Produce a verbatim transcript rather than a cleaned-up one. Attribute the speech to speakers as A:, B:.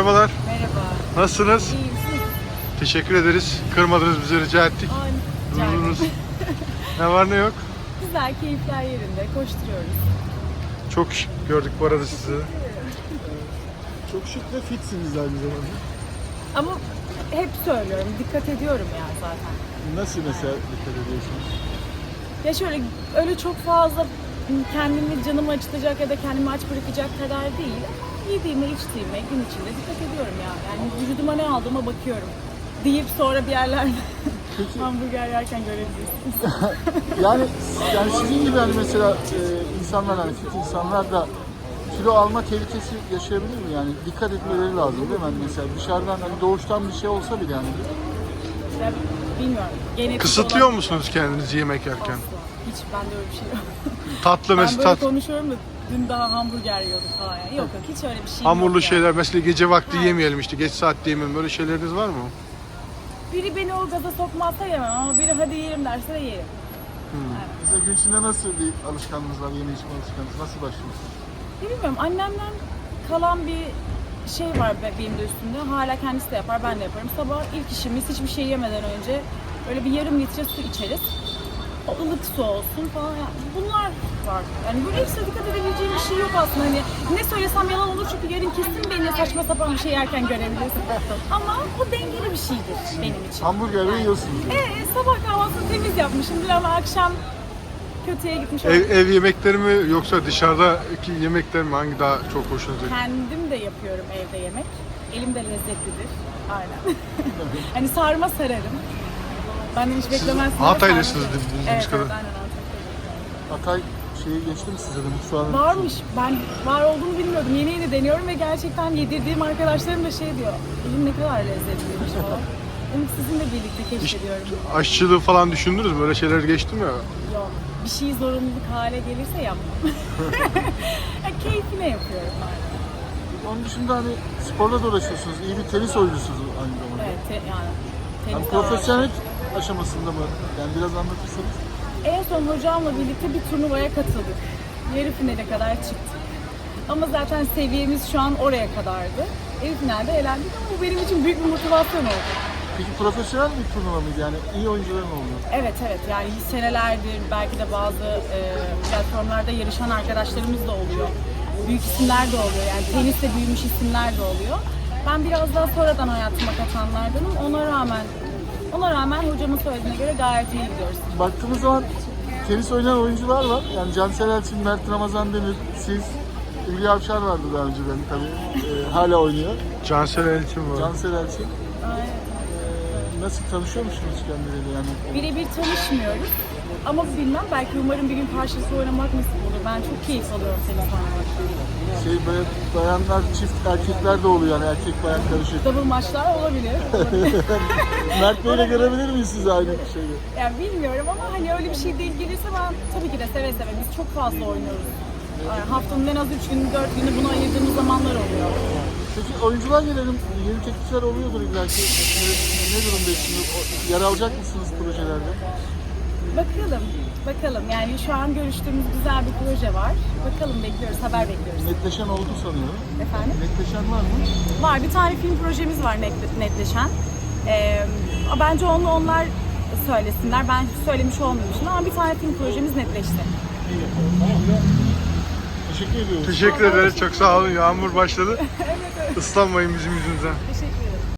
A: merhabalar.
B: Merhaba.
A: Nasılsınız?
B: İyiyim, siz?
A: Teşekkür ederiz. Kırmadınız bizi, rica ettik.
B: Ay, rica ederim.
A: Dururuz. Ne var ne yok.
B: Güzel, keyifler yerinde. Koşturuyoruz.
A: Çok şık gördük bu arada sizi.
C: Çok şık ve fitsiniz aynı zamanda.
B: Ama hep söylüyorum, dikkat ediyorum ya zaten.
C: Nasıl mesela dikkat ediyorsunuz?
B: Ya şöyle, öyle çok fazla kendimi canımı acıtacak ya da kendimi aç bırakacak kadar değil. Yediğime, içtiğime, gün içinde dikkat ediyorum ya. Yani vücuduma ne aldığıma bakıyorum. Deyip sonra bir yerlerde hamburger yerken görebilirsiniz.
C: Yani yani sizin gibi hani mesela e, insanlar hani fit insanlar da kilo alma tehlikesi yaşayabilir mi? Yani dikkat etmeleri lazım değil mi? Hani mesela dışarıdan hani doğuştan bir şey olsa bile yani.
B: Ya, bilmiyorum. Genetik
A: Kısıtlıyor
B: olarak-
A: musunuz kendinizi yemek yerken?
B: Asla. Hiç bende öyle bir şey yok.
A: Tatlı
B: Ben
A: mesela
B: böyle
A: tat,
B: konuşuyorum da dün daha hamburger yiyorduk falan. Yani. Yok yok hiç öyle bir şey
A: hamurlu
B: yok
A: şeyler
B: yani.
A: mesela gece vakti
B: Ha.
A: yemeyelim işte geç saatte yemeyelim, böyle şeyleriniz var mı?
B: Biri beni o gaza sokmazsa yemem ama biri hadi yiyelim derse de yerim.
C: Mesela gün içinde nasıl bir alışkanlığınız var? Yeme içme alışkanlığınız nasıl başlıyorsunuz?
B: Ya bilmiyorum annemden kalan bir şey var be- benim de üstümde. Hala kendisi de yapar ben de yaparım. Sabah ilk işimiz hiçbir şey yemeden önce böyle bir yarım litre su içeriz. O ılık su olsun falan. Yani bunlar var. Yani böyle ekstra dikkat edebileceğim bir şey yok aslında. Hani ne söylesem yalan olur çünkü yarın kesin beni saçma sapan bir şey yerken görebilirsin. Ama o dengeli bir şeydir benim için.
C: Hamburger mi yiyorsunuz? Yani.
B: Ee, sabah kahvaltısını temiz yapmışımdır ama akşam kötüye gitmiş
A: Ev,
B: olabilir.
A: ev yemekleri mi yoksa dışarıdaki yemekler mi, hangi daha çok hoşunuza gidiyor?
B: Kendim de yapıyorum evde yemek. Elim de lezzetlidir. Aynen. Hani sarma sararım. Benden hiç beklemezsiniz.
A: Hataylısınız
B: Sarma sararım.
A: bildiğimiz
B: Evet,
A: kadar.
B: evet, aynen Antakya'dayım.
C: Hatay şeyi geçti mi size de mutfağına?
B: Varmış. Ben var olduğunu bilmiyordum. Yeni yeni deniyorum ve gerçekten yedirdiğim arkadaşlarım da şey diyor. Elim ne kadar lezzetliymiş falan. Onu sizinle birlikte keşfediyorum.
A: Aşçılığı falan düşündünüz mü? Öyle şeyler geçti mi?
B: Yok. Bir şey zorunluluk hale gelirse yapmam. Ya, keyfine yapıyorum ben.
C: Onun dışında hani sporla da uğraşıyorsunuz. İyi bir tenis oyuncusunuz aynı zamanda.
B: Evet, te- yani
C: Yani
B: tenis
C: profesyonel aşamasında mı? Yani biraz anlatırsanız.
B: En son hocamla birlikte bir turnuvaya katıldık. Yarı finale kadar çıktık. Ama zaten seviyemiz şu an oraya kadardı. Yarı finalde elendik ama bu benim için büyük bir motivasyon oldu.
C: Peki profesyonel bir turnuva mıydı? Yani iyi oyuncuların oluyor.
B: Evet evet yani senelerdir belki de bazı e, platformlarda yarışan arkadaşlarımız da oluyor. Büyük isimler de oluyor yani teniste büyümüş isimler de oluyor. Ben biraz daha sonradan hayatıma katanlardanım. Ona rağmen ona rağmen hocamın söylediğine göre gayet iyi gidiyoruz.
C: Baktığımız zaman tenis oynayan oyuncular var. Yani Cansel Elçin, Mert Ramazan Demir, siz, Hülya Avşar vardı daha önceden tabii. Ee, hala oynuyor.
A: Cansel Elçin var.
C: Cansel Elçin.
B: Aynen.
C: Ee, nasıl tanışıyor musunuz kendileriyle yani?
B: Birebir tanışmıyoruz. Ama bilmem belki umarım bir gün karşılıklı oynamak nasip olur. Ben çok keyif alıyorum tenis oynamaktan.
C: Şey böyle bayanlar, çift erkekler de oluyor yani erkek bayan karışık.
B: Double maçlar olabilir. olabilir.
C: Mert Bey'le görebilir miyiz siz aynı şeyi?
B: Yani bilmiyorum ama hani öyle bir şey denk gelirse ben tabii ki de seve seve. Biz çok fazla oynuyoruz. Yani haftanın en az üç günü, dört günü buna ayırdığımız zamanlar oluyor.
C: Peki oyuncular gelelim, yeni teklifler oluyordur illa ki. Ne, ne durumdasınız? O- Yer alacak mısınız projelerde?
B: Bakalım, bakalım. Yani şu an görüştüğümüz güzel bir proje var. Bakalım bekliyoruz, haber bekliyoruz.
C: Netleşen oldu sanıyorum.
B: Efendim?
C: Netleşen var mı?
B: Var, bir tane film projemiz var net- netleşen. Ee, bence onu onlar söylesinler. Ben söylemiş olmayayım şimdi ama bir tane film projemiz netleşti.
C: Teşekkür ediyoruz.
A: Teşekkür ederiz. Çok sağ olun. Yağmur başladı. Islanmayın bizim yüzümüzden.
B: Teşekkür